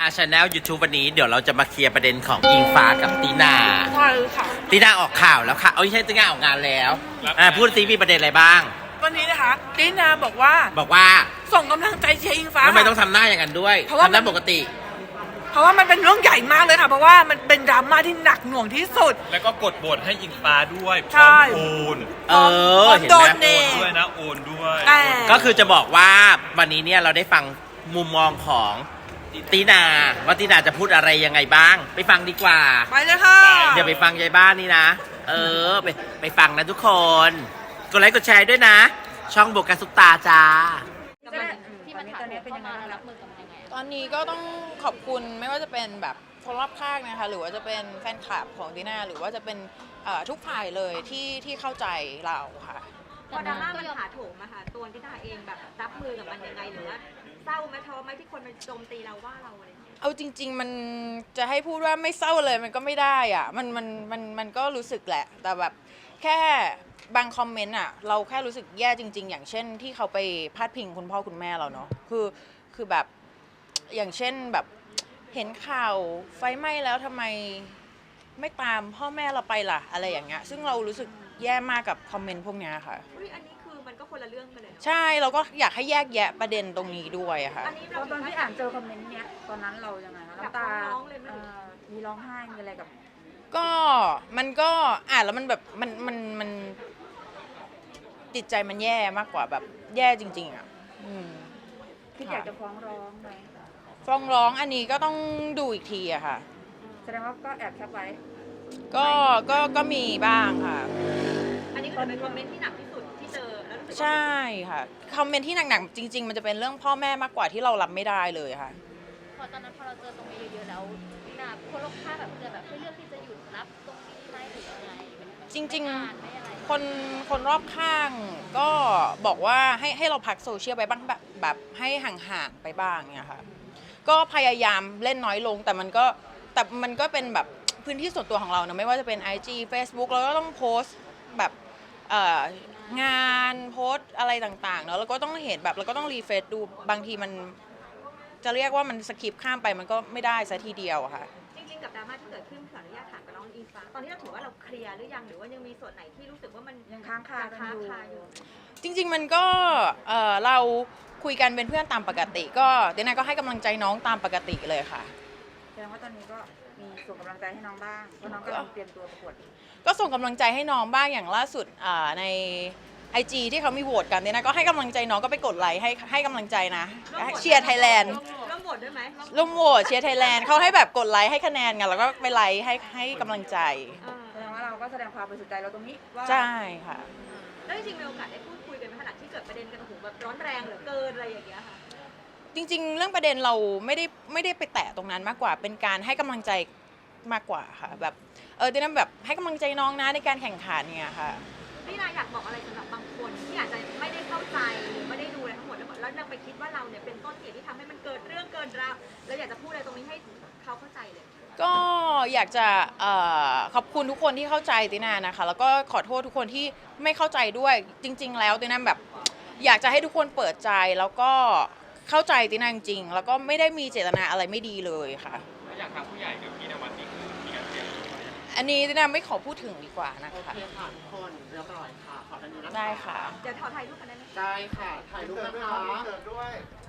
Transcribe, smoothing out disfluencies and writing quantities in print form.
channel YouTube วันนี้เดี๋ยวเราจะมาเคลียร์ประเด็นของอิงฟ้ากับตีนาใช่ค่ะตีนาออกข่าวแล้วค่ะไม่ใช่ตีนาออกงานแล้วพูดซิมีประเด็นอะไรบ้างวันนี้นะคะตีนาบอกว่าส่งกำลังใจเชียร์อิงฟ้าทำไมต้องทำหน้าอย่างนั้นด้วยทำหน้าปกติเพราะว่ามันเป็นเรื่องใหญ่มากเลยค่ะเพราะว่ามันเป็นดราม่าที่หนักหน่วงที่สุดแล้วก็กดบทให้อิงฟ้าด้วยพใช่ร้อมโอนเห็นโดไหมนเนด้วยนะโอนด้วยก็คือจะบอกว่าวันนี้เนี่ยเราได้ฟังมุมมองของตีนาว่าตีนาจะพูดอะไรยังไงบ้างไปฟังดีกว่าไปเลยค่ะเดี๋ยวไปฟังยายบ้านนี่นะไปฟังนะทุกคนกดไลค์กดแชร์ด้วยนะช่องโบกัสซุปตาจ้าที่มันถาโถมเข้ามารับมือกับมันยังไงตอนนี้ก็ต้องขอบคุณไม่ว่าจะเป็นแบบคนรอบข้างนะคะหรือว่าจะเป็นแฟนคลับของตีน่าหรือว่าจะเป็นทุกฝ่ายเลยที่เข้าใจเราค่ะพอดราม่ามันถาโถมอะค่ะตัวที่ตาเองแบบรับมือกับมันยังไงหรือว่าเศร้าไหมท้อไหมที่คนมันโจมตีเราว่าเราอะไรเอาจริงๆมันจะให้พูดว่าไม่เศร้าเลยมันก็ไม่ได้อะมันก็รู้สึกแหละแต่แบบแค่บางคอมเมนต์อะเราแค่รู้สึกแย่จริงๆอย่างเช่นที่เขาไปพาดพิงคุณพ่อคุณแม่เราเนาะคือแบบอย่างเช่นแบบเห็นข่าวไฟไหม้แล้วทำไมไม่ตามพ่อแม่เราไปล่ะอะไรอย่างเงี้ยซึ่งเรารู้สึกแย่มากกับคอมเมนต์พวกนี้ค่ะอันนี้คือมันก็คนละเรื่องกันเลยใช่เราก็อยากให้แยกแยะประเด็นตรงนี้ด้วยค่ะตอนที่อ่านเจอคอมเมนต์เนี้ยตอนนั้นเรายังไงคะน้ำตามีร้องไห้มีอะไรกับก็มันก็อ่านแล้วมันแบบมันจิตใจมันแย่มากกว่าแบบแย่จริงๆอ่ะคิดอยากจะฟ้องร้องไหมฟ้องร้องอันนี้ก็ต้องดูอีกทีอะค่ะแสดงว่าก็แอบแคปไว้ก็มีบ้างค่ะอันนี้ก็เป็นคอมเมนต์ที่หนักที่สุดที่เจอแล้วรู้สึกใช่ค่ะคอมเมนต์ที่หนักๆจริงๆมันจะเป็นเรื่องพ่อแม่มากกว่าที่เรารับไม่ได้เลยค่ะพอตอนนั้นพอเราเจอตรงนี้เยอะๆแล้วน่ะคนรอบข้างแบบจะแบบเลือกที่จะหยุดรับตรงนี้ไหมหรืออะไรจริงๆคนรอบข้างก็บอกว่าให้เราพักโซเชียลไปบ้างแบบให้ห่างๆไปบ้างเนี่ยค่ะก็พยายามเล่นน้อยลงแต่มันก็เป็นแบบพื้นที่ส่วนตัวของเรานะไม่ว่าจะเป็น IG Facebook เราก็ต้องโพสต์แบบงานโพสต์อะไรต่างๆเนาะแล้วก็ต้องเห็นแบบเราก็ต้องรีเฟรชดูบางทีมันจะเรียกว่ามันสคิปข้ามไปมันก็ไม่ได้ซะทีเดียวค่ะจริงๆกับดราม่าที่เกิดขึ้นขออนุญาตถามกับน้องอิงฟ้าตอนนี้เราถือว่าเราเคลียร์หรือยังหรือว่ายังมีส่วนไหนที่รู้สึกว่ามันยังค้างคาอยู่จริงๆมันก็เราคุยกันเป็นเพื่อนตามปกติก็เดน่าก็ให้กำลังใจน้องตามปกติเลยค่ะแสดงว่าตอนนี้ก็มีส่งกำลังใจให้น้องบ้างเพราะน้องกำลังเตรียมตัวประกวดก็ส่งกำลังใจให้น้องบ้างอย่างล่าสุดใน IG ที่เขามีโหวตกันเนี่ยนะก็ให้กำลังใจน้องก็ไปกดไลค์ให้กำลังใจนะเชียร์ไทยแลนด์ร่วมโหวตด้วยไหมร่วมโหวตเชียร์ไทยแลนด์เขาให้แบบกดไลค์ให้คะแนนกันแล้วก็ไปไลค์ให้กำลังใจแสดงว่าเราก็แสดงความบริสุทธิ์ใจเราตรงนี้ว่าใช่ค่ะแล้วจริงๆมีโอกาสได้พูดคุยกันในขณะที่เกิดประเด็นกันโอ้โหแบบร้อนแรงเหลือเกินอะไรอย่างเงี้ยค่ะจริงๆเรื่องประเด็นเราไม่ได้ไปแตะตรงนั้นมากกว่าเป็นการให้กำลังใจมากกว่าค่ะแบบที่นั่นแบบให้กำลังใจน้องนะในการแข่งขันเนี่ยค่ะพี่นายอยากบอกอะไรสำหรับบางคนที่อาจจะไม่ได้เข้าใจหรือไม่ได้ดูอะไรทั้งหมดแล้วนำไปคิดว่าเราเนี่ยเป็นต้นเหตุที่ทำให้มันเกิดเรื่องเกินราวแล้วอยากจะพูดอะไรตรงนี้ให้เขาเข้าใจเลยก็อยากจะขอบคุณทุกคนที่เข้าใจตินานะคะแล้วก็ขอโทษทุกคนที่ไม่เข้าใจด้วยจริงๆแล้วตินาแบบอยากจะให้ทุกคนเปิดใจแล้วก็เข้าใจตินาจริงๆแล้วก็ไม่ได้มีเจตนาอะไรไม่ดีเลยค่ะอยากทางผู้ใหญ่กับพี่นวัดนี่คือมีการเตรียมอันนี้ตินาไม่ขอพูดถึงดีกว่านะคะโอเคค่ะทุกคนเรียบร้อยค่ะขอทันนี้นะคะได้ค่ะเดี๋ยวถ่ายรูปกันได้ไหมได้ค่ะถ่ายรูปนะคะ